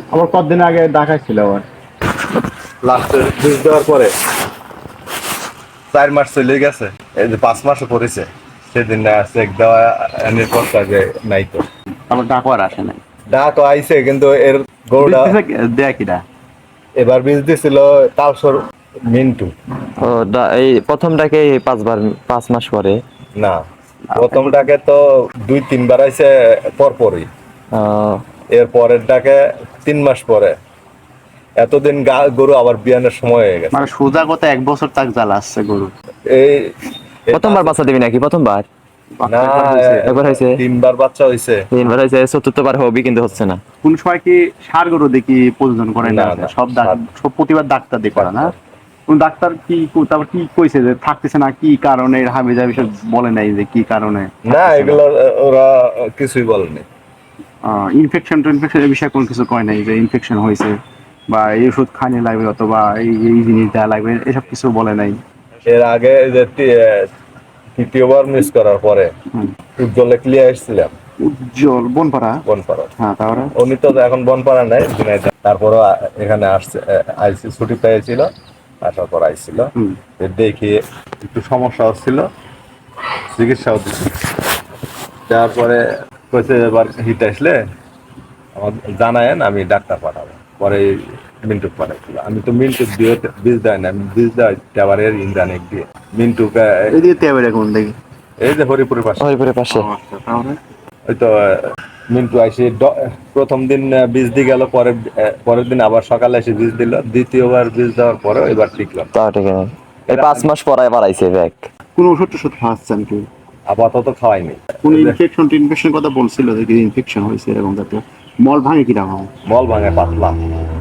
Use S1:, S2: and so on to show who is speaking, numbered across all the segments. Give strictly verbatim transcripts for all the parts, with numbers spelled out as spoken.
S1: আমার কতদিন আগে দেখাইছিল আমার
S2: লাস্টের বীজ দেওয়ার পরে চার মাস চলে গেছে, এই যে পাঁচ মাসে পড়েছে সেদিন চেক দেওয়া এনে পড়তা যে নাই তো।
S1: আমার ডাকও আর আসে নাই।
S2: ডাক আইছে কিন্তু এর গরুটা
S1: দেয়া কিটা
S2: এবার বীজ দিছিল তালসর মিন্টু।
S3: ও দা- এই প্রথমটাকে পাঁচবার পাঁচ মাস পরে।
S2: না, প্রথমটাকে তো দুই তিনবার আইছে পরপরই,
S3: আহ,
S2: এর পরের ডাকে তিন মাস পরে। এতদিন গা- গরু আবার বিয়ানের সময় হয়ে গেছে।
S1: মানে সোজা কথা এক বছর তাক জ্বালা আসছে গরু।
S2: এই এই
S3: প্রথমবার বাচ্চা দিবি নাকি? প্রথমবার
S2: না,
S3: একবার হয়েছে,
S2: তিনবার বাচ্চা হইছে।
S3: তিনবার হয়েছে, চতুর্থবার হবি কিন্তু হচ্ছে না।
S1: কোন সময় কি সার গরু দেখি প্রযোজন করে না?
S2: না, না,
S1: সব ডাক-
S2: সার-
S1: সব প্রতিবার ডাক্তার দিয়ে করা না? কোন ডাক্তার কি তারপর কি কইছে যে থাকতেছে না, কি কারণে হাবি যাবি সব বলে নাই যে কি কারণে
S2: না, এগুলো ওরা কিছুই বলেনি।
S1: ইনফেকশন টু ইনফেকশনের বিষয়ে কোন কিছু কয় নাই যে ইনফেকশন হয়েছে বা এই ওষুধ খাইনি লাগবে অথবা এই এই জিনিস দেওয়া লাগবে, এসব কিছু বলে নাই।
S2: এর আগে যে তি- তৃতীয়বার মিস করার পরে
S1: হুম।
S2: উজ্জ্বলে ক্লিয়ার এসেছিলাম
S1: উজ্জ্বল বনপাড়া।
S2: বনপাড়া।
S1: হ্যাঁ, তারপরে
S2: উনি তো এখন বনপাড়া নাই, ঝিনাইদহ। তারপরও এখানে আসছে, আইসি ছুটি পেয়েছিল, আসার পর আইছিল।
S1: হুম।
S2: দেখি একটু সমস্যা হচ্ছিল, চিকিৎসাও দিচ্ছি। তারপরে কইছে এবার হিট আসলে আমার জানায়েন, আমি ডাক্তার পাঠাবো। পরে মিন্টু পাঠাইছিল। আমি তো মিন্টু দিয়ে বীজ দেয় না, আমি বীজ দেয় টাওয়ারের ইন্দ্রানিক দিয়ে মিন্টুকে।
S1: এদিকে তেবে দেখুন দেখি।
S2: এই যে হরিপুরের পাশে,
S3: হরিপুরের পাশে।
S1: তাহলে
S2: ওই তো মিন্টু আইসে ড- প্রথম দিন বীজ দিয়ে গেল, পরের পরের দিন আবার সকালে এসে বীজ দিল। দ্বিতীয়বার বীজ দেওয়ার পরে এবার টিকলাম।
S3: তা ঠিক আছে, এই পাঁচ মাস পরে বাড়াইছে ব্যাগ।
S1: কোন ওষুধ টষুধ খাওয়াচ্ছেন কি?
S2: আপাতত খাওয়াইনি।
S1: কোন ইনফেকশন ইনফেকশন কথা বলছিল যে ইনফেকশন হয়েছে এরকম জাতীয়? মল ভাঙে কি রকম?
S2: মল ভাঙে পাতলা।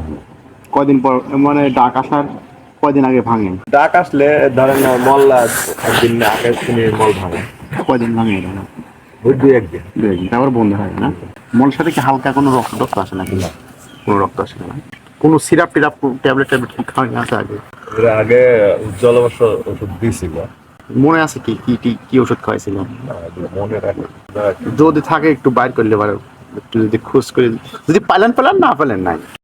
S1: কয়দিন পর মানে ডাক আসার কয়দিন আগে ভাঙে?
S2: ডাক আসলে ধরেন মল একদিন আগে তুমি মল ভাঙে,
S1: কয়দিন ভাঙে এটা?
S2: ওই দুই একদিন।
S1: দুই একদিন, তারপর বন্ধ হয় না? মলের সাথে কি হালকা কোনো রক্ত রক্ত আসে নাকি? কোনো রক্ত আসে না? কোনো সিরাপ টিরাপ ট্যাবলেট ট্যাবলেট কি খাওয়াই আছে আগে?
S2: এর আগে উজ্জ্বল অবশ্য ওষুধ দিয়েছিল,
S1: মনে আছে কি কি কি কি ওষুধ খাওয়াইছিলেন?
S2: মনে রাখে।
S1: যদি থাকে একটু বাইর করলে পারে, একটু যদি খোঁজ করে যদি পাইলেন পেলেন, না পেলেন নাই।